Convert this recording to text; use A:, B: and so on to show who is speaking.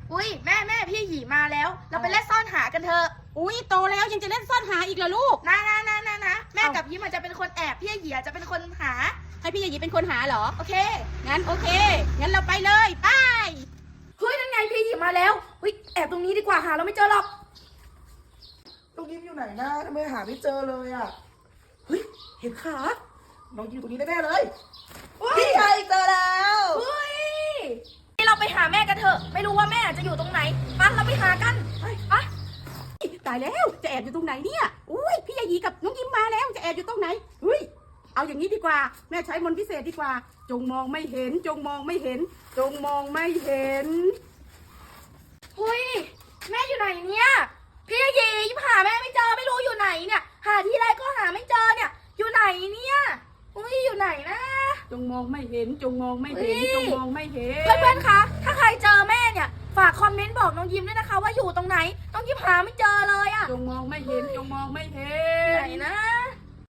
A: อุ้ยแม่พี่หยีมาแล้ว เราไปเล่นซ่อนหากันเถอะ
B: อุ้ยโตแล้วยังจะเล่นซ่อนหาอีกเหรอลูก
A: นะแม่กับยิ้มอาจจะเป็นคนแอบพี่หยีอาจจะเป็นคนหา
B: ให้พี่ยายีเป็นคนหาเหรอ
A: โอเค
B: งั้นโอเคงั้นเราไปเลยไป
A: เฮ้ยนั่นไงพี่หยีมาแล้วเฮ้ยแอบตรงนี้ดีกว่าหาเราไม่เจอหรอก
C: น้องยิ้มอยู่ไหนนะทำไมหาไม่เจอเลยอ่ะเฮ้ยเห็นขาน้องยิ้มอยู่ตรงนี้แน่ๆเลยพี่ไงเจอแล้ว
A: เฮ้ยเราไปหาแม่กันเถอะไม่รู้ว่าแม่จะอยู่ตรงไหนไปเราไปหากันไป
B: ตายแล้วจะแอบอยู่ตรงไหนเนี่ยอุ้ยพี่ยายีกับน้องยิ้มมาแล้วจะแอบอยู่ตรงไหนเฮ้ยเอาอย่างนี้ดีกว่าแม่ใช้มนต์พิเศษดีกว่าจงมองไม่เห็นจงมองไม่เห็นจงมองไม่เห็น
A: เฮ้ยแม่อยู่ไหนเนี่ยพี่หยียิ้มหาแม่ไม่เจอไม่รู้อยู่ไหนเนี่ยหาที่ไรก็หาไม่เจอเนี่ยอยู่ไหนเนี่ยเฮ้ยอยู่ไหนนะ
B: จงมองไม่เห็นจงมองไม่เห็นจงมองไม่เห็น
A: เพื่อนๆคะถ้าใครเจอแม่เนี่ยฝากคอมเมนต์บอกน้องยิ้มด้วยนะคะว่าอยู่ตรงไหนน้องยิ้มหาไม่เจอเลยอะ
B: จงมองไม่เห็นจงมองไม่เห็น
A: ไหนนะ